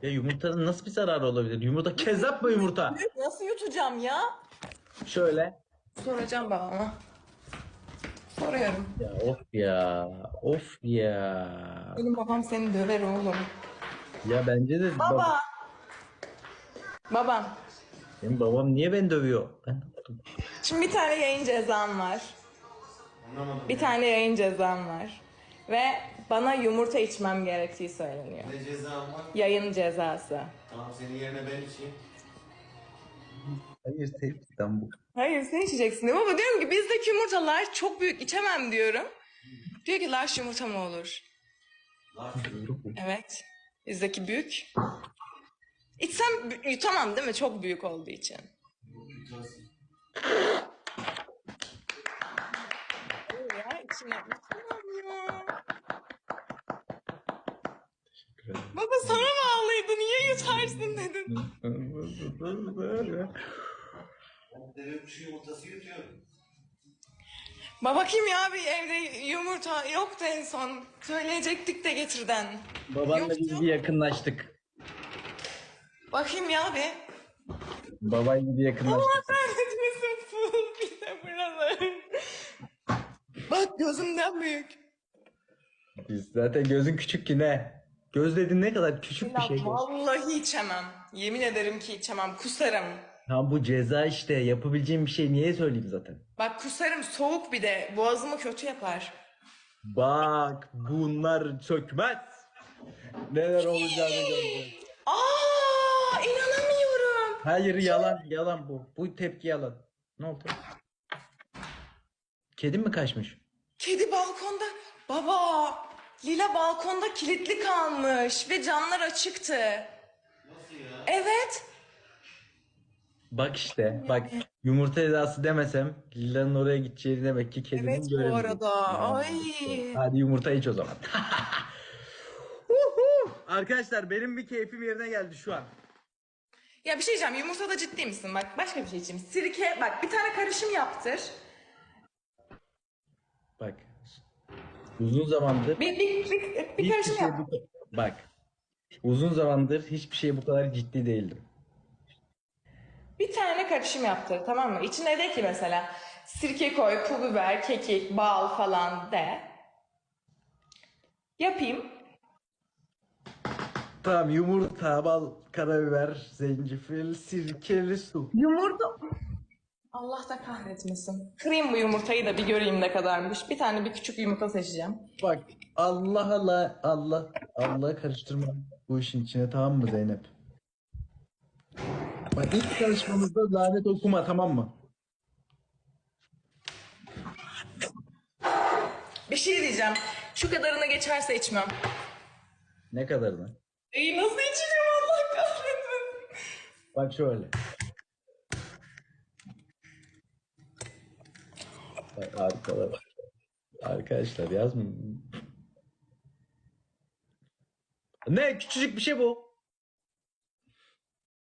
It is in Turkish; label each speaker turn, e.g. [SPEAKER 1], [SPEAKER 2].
[SPEAKER 1] Ya yumurtanın nasıl bir zararı olabilir? Yumurta kezzap mı yumurta?
[SPEAKER 2] Nasıl yutacağım ya?
[SPEAKER 1] Şöyle.
[SPEAKER 2] Soracağım babama. Soruyorum.
[SPEAKER 1] Ya of ya. Of ya.
[SPEAKER 2] Benim babam seni döver oğlum.
[SPEAKER 1] Ya bence de
[SPEAKER 2] Baba. Babam.
[SPEAKER 1] benim babam niye beni dövüyor? Ben
[SPEAKER 2] Şimdi bir tane yayın cezam var. Bir tane yayın cezam var. Ve bana yumurta içmem gerektiği söyleniyor.
[SPEAKER 3] Ne cezam var?
[SPEAKER 2] Yayın cezası.
[SPEAKER 3] Tamam senin yerine ben içeyim.
[SPEAKER 1] hayır sevgiden bu.
[SPEAKER 2] Hayır sen içeceksin diyor. Baba diyorum ki bizdeki yumurtalar çok büyük içemem diyorum. Diyor ki large yumurta mı olur?
[SPEAKER 3] Laf
[SPEAKER 2] Evet. Bizdeki büyük. İçsem yutamam değil mi? Çok büyük olduğu için.
[SPEAKER 3] yutarsın.
[SPEAKER 2] Ya içine yutamam ya. Baba sana bağlıydı. Niye yutarsın dedin.
[SPEAKER 3] Ben deve kuşu yumurtası yutuyorum.
[SPEAKER 2] Baba kim ya bir evde yumurta yoktu en son. Söyleyecektik de getirden.
[SPEAKER 1] Babanla
[SPEAKER 2] Yoktu.
[SPEAKER 1] biz bir yakınlaştık.
[SPEAKER 2] Bakayım ya bir.
[SPEAKER 1] Babayla bir yakınlaştık.
[SPEAKER 2] Allah kahretmesin full bir de buralar. Bak gözümden büyük.
[SPEAKER 1] Biz zaten gözün küçük ki ne? Göz dediğin ne kadar küçük bir şey.
[SPEAKER 2] Vallahi içemem. Yemin ederim ki içemem. Kusarım.
[SPEAKER 1] Tam bu ceza işte. Yapabileceğim bir şey niye söyleyeyim zaten?
[SPEAKER 2] Bak kusarım soğuk bir de. Boğazımı kötü yapar.
[SPEAKER 1] Bak bunlar sökmez. Neler olacağını göreceğiz.
[SPEAKER 2] Aa, inanamıyorum.
[SPEAKER 1] Hayır yalan yalan bu. Bu tepki yalan. Ne oldu? Kedim mi kaçmış?
[SPEAKER 2] Kedi balkonda. Baba, Lila balkonda kilitli kalmış ve camlar açıktı.
[SPEAKER 3] Nasıl ya?
[SPEAKER 2] Evet.
[SPEAKER 1] Bak işte bak yumurta edası demesem Lila'nın oraya gideceğini demek ki kedinin
[SPEAKER 2] Evet bu
[SPEAKER 1] göremiyor.
[SPEAKER 2] arada. Ay.
[SPEAKER 1] Hadi yumurta iç o zaman. Uhu! Arkadaşlar benim bir keyfim yerine geldi şu an.
[SPEAKER 2] Ya bir şey diyeceğim. Yumurtada ciddi misin? Bak başka bir şey içeyim. Sirke. Bak bir tane karışım yaptır.
[SPEAKER 1] Bak uzun zamandır
[SPEAKER 2] Bir
[SPEAKER 1] hiçbir
[SPEAKER 2] karışım
[SPEAKER 1] şey
[SPEAKER 2] yap.
[SPEAKER 1] bak uzun zamandır hiçbir şeye bu kadar ciddi değildim.
[SPEAKER 2] Bir tane karışım yaptır tamam mı? İçine de ki mesela sirke koy, pul biber, kekik, bal falan de. Yapayım.
[SPEAKER 1] Tamam yumurta, bal, karabiber, zencefil, sirkeli su.
[SPEAKER 2] Yumurta. Allah da kahretmesin. Kırayım bu yumurtayı da bir göreyim ne kadarmış. Bir tane bir küçük yumurta seçeceğim.
[SPEAKER 1] Bak Allah karıştırma bu işin içine tamam mı Zeynep? Bak ilk tanışmamızda lanet okuma tamam mı?
[SPEAKER 2] Bir şey diyeceğim. Şu kadarına geçerse içmem.
[SPEAKER 1] Ne kadarını?
[SPEAKER 2] İyi nasıl içeceğim Allah kahretmesin.
[SPEAKER 1] Bak şöyle. Bak, arkadaşlar yazmayın. Ne küçücük bir şey bu.